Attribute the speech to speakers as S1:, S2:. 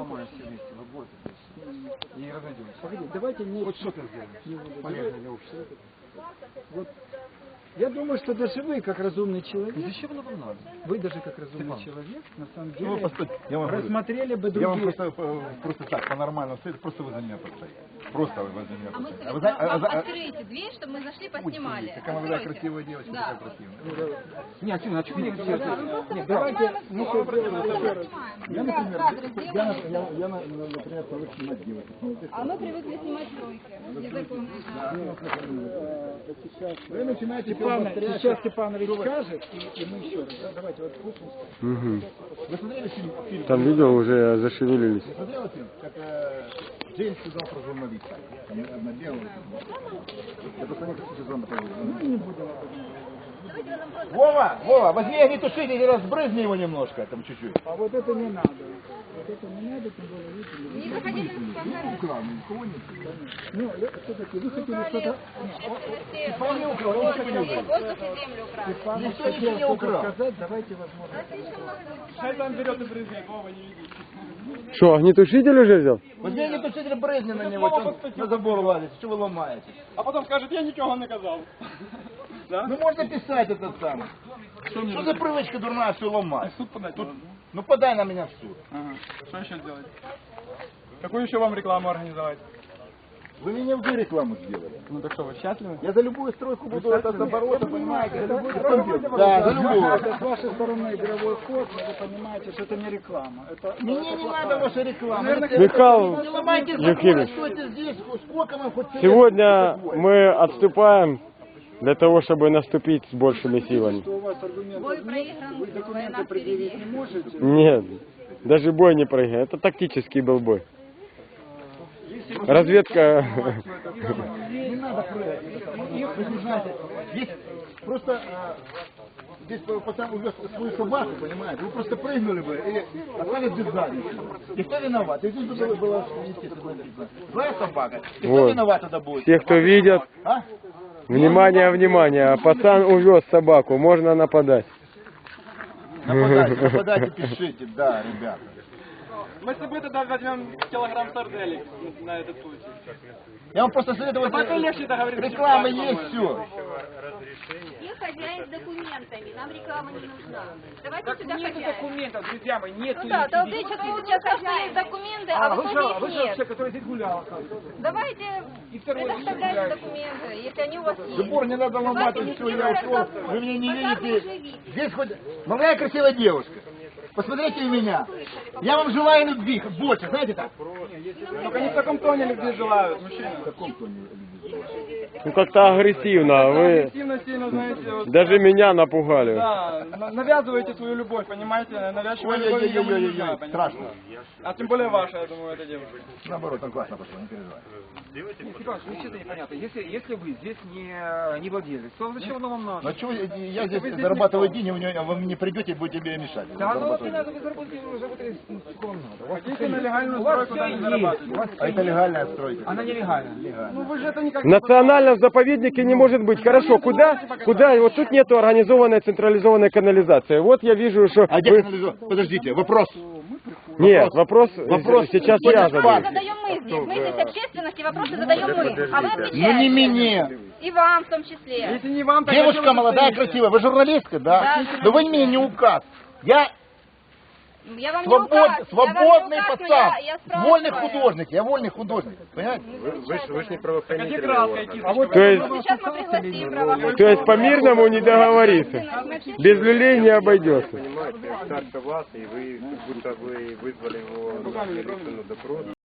S1: поломаешь все вместе, вы будете и разойдемся.
S2: Погоди, давайте не...
S1: Вот что ты сделаешь? Полезно для общества.
S2: Вот. Я думаю, что даже вы, как разумный человек,
S1: Зачем оно вам надо?
S2: вы даже как разумный
S1: Степан.
S2: человек, на самом
S3: Ну,
S2: деле,
S3: постойте, я вам говорю.
S2: рассмотрели бы
S3: Я вам
S2: другие...
S3: просто так, по-нормальному стоит, просто вы за меня подстоите. Просто вы за меня
S4: А мы
S3: подстоите.
S4: вам откройте дверь, чтобы мы зашли, поснимали.
S3: Какая молодая, красивая девочка,
S4: Да.
S3: такая красивая.
S1: Не, а чего не делать?
S2: Нет, давайте... мы сейчас сделаем еще раз.
S3: Я, например, например, привык снимать девочек.
S4: А мы привыкли снимать тройки. Языком.
S3: Вы начинаете
S2: Сейчас Степанович скажет, и мы еще раз. Да, давайте вот слушаем.
S3: Вы смотрели фильм?
S5: Там видео уже зашевелились.
S3: Вы смотрели фильм? Как Джеймс сказал про журналиста. Там одна белая. Я просто не хочу сезон посмотреть. Вова, возьми огнетушитель и разбрызни его немножко, там чуть-чуть.
S2: А вот это не надо. Вот это не надо, тем более, видите,
S4: Не заходите на спонтанность.
S2: ну, все-таки вы хотели что-то...
S3: Степан не украл, он ничего не украл.
S4: Воздух и землю украли.
S2: Степан
S3: Никто
S2: хотел
S3: ничего не
S2: что-то
S3: украл.
S2: сказать, давайте возможно.
S5: Что, огнетушитель уже взял?
S3: Возьми огнетушитель, брызни на него, что он на забор лазит, что вы ломаете.
S6: А потом скажет, я ничего не казал.
S3: Ну можно писать этот самый. Что за привычка дурная все ломать?
S6: Суд подать
S3: Тут,
S6: можно.
S3: ну подай на меня в суд.
S6: Ага. Что еще сделать? Какую еще вам рекламу организовать?
S3: Вы мне уже рекламу сделали.
S6: Ну так что, вы счастливы?
S3: Я за любую стройку буду это за обороты, понимаете?
S2: Это будет
S3: Да, за любую.
S2: Это с вашей стороны игровой ход, но вы понимаете, что это не реклама. Это,
S3: Мне не надо ваша реклама.
S5: Михаил
S3: Не ломайте заборы,
S5: Евгеньевич,
S3: стойте здесь, сколько вам хоть...
S5: сегодня мы отступаем для того, чтобы наступить с большими силами.
S2: что у вас аргументов
S4: Бой
S2: нет,
S4: проигран,
S2: вы документы
S4: война
S2: предъявить
S4: впереди.
S2: не можете.
S5: Нет, даже бой не прыгай. Это тактический был бой. Разведка...
S3: Не надо прыгать. Вы не знаете, здесь просто... Здесь пацан увез свою собаку, понимаете? Вы просто прыгнули бы и остались без задницы. И кто виноват? И здесь было, естественно, написано. Злая собака. И кто
S5: Вот.
S3: виноват тогда будет?
S5: Все, кто видят,
S3: А?
S5: внимание, внимание, пацан увез собаку, можно нападать.
S3: Нападайте, пишите, да, ребята.
S6: Мы с тобой тогда возьмем килограмм сарделек на этот случай.
S3: Я вам просто советую,
S6: Пока легче договориться.
S3: реклама есть, все.
S4: И хозяин с документами. Нам реклама не нужна. Давайте
S6: Так
S4: сюда
S6: нету
S4: хозяин.
S6: документов, друзья мои, нету.
S4: Ну да,
S6: ничего.
S4: толпы сейчас что есть документы, а в итоге их нет.
S1: который здесь гулял, оказывается.
S4: Давайте предоставляйте документы, если они у вас есть.
S3: Забор не надо ломать,
S4: Давайте
S3: и все,
S4: не
S3: я ушел.
S4: разговор.
S3: Вы меня не
S4: Пока вы уже
S3: видите.
S4: видите.
S3: Здесь хоть молодая красивая девушка. Посмотрите на меня. Я вам желаю любви, больше, знаете так?
S6: Только не в таком тоне любви желают, мужчины.
S3: В каком тоне?
S5: Ну как-то агрессивно, вы
S6: Активно сильно, знаете, вот,
S5: даже меня напугали.
S6: да, навязываете свою любовь, понимаете? Навязчивая любовь ее не нужна,
S3: Ой-ой-ой, страшно.
S6: А тем более ваша, я думаю, эта девушка.
S3: Наоборот, там классно пошло, не переживай.
S1: Степан, ну что-то непонятно. Если вы здесь не владелец, то зачем оно вам надо?
S3: Ну что, я здесь зарабатываю деньги, вы мне придете и будете мне мешать.
S1: Да, ну вот
S3: Зарабатывать.
S1: не надо, вы заработали сколько вам надо. У вас
S6: Хотите на легальную
S1: у вас
S6: стройку,
S1: все
S6: там не
S1: есть,
S6: зарабатывать.
S1: у вас
S3: А это легальная стройка?
S1: Она нелегальна.
S6: Ну вы же это никак
S5: В национальном заповеднике не может быть. Хорошо, куда? Вот тут нету организованной централизованной канализации. Вот я вижу, что...
S3: А где
S5: вы-
S3: канализация? Подождите, вопрос.
S5: Нет, вопрос сейчас
S3: Кто
S5: я
S3: здесь
S5: задаю.
S4: Задаем мы здесь. Мы здесь общественности, вопросы задаем мы. А вы отвечаете.
S3: Ну не мне.
S4: И вам в том числе.
S6: Если не вам, так зачем
S3: Девушка
S6: вы
S3: молодая,
S6: стоите?
S3: красивая. Вы журналистка, да?
S4: Да,
S3: Но вы мне не указ. Я
S4: Я вам не указ. Я вам не
S3: свободный
S4: указ, но
S3: пацан.
S4: я
S3: Вольный
S4: спрашиваю.
S3: художник. Я вольный художник. Понимаете?
S6: Так а где краска и кисточка?
S5: То есть,
S4: Ну, сейчас мы пригласим правоохранительных.
S5: то есть по-мирному не договориться. Без люлей не обойдется.
S7: Понимаете, старше вас, и вы, как будто вы вызвали его на допрос.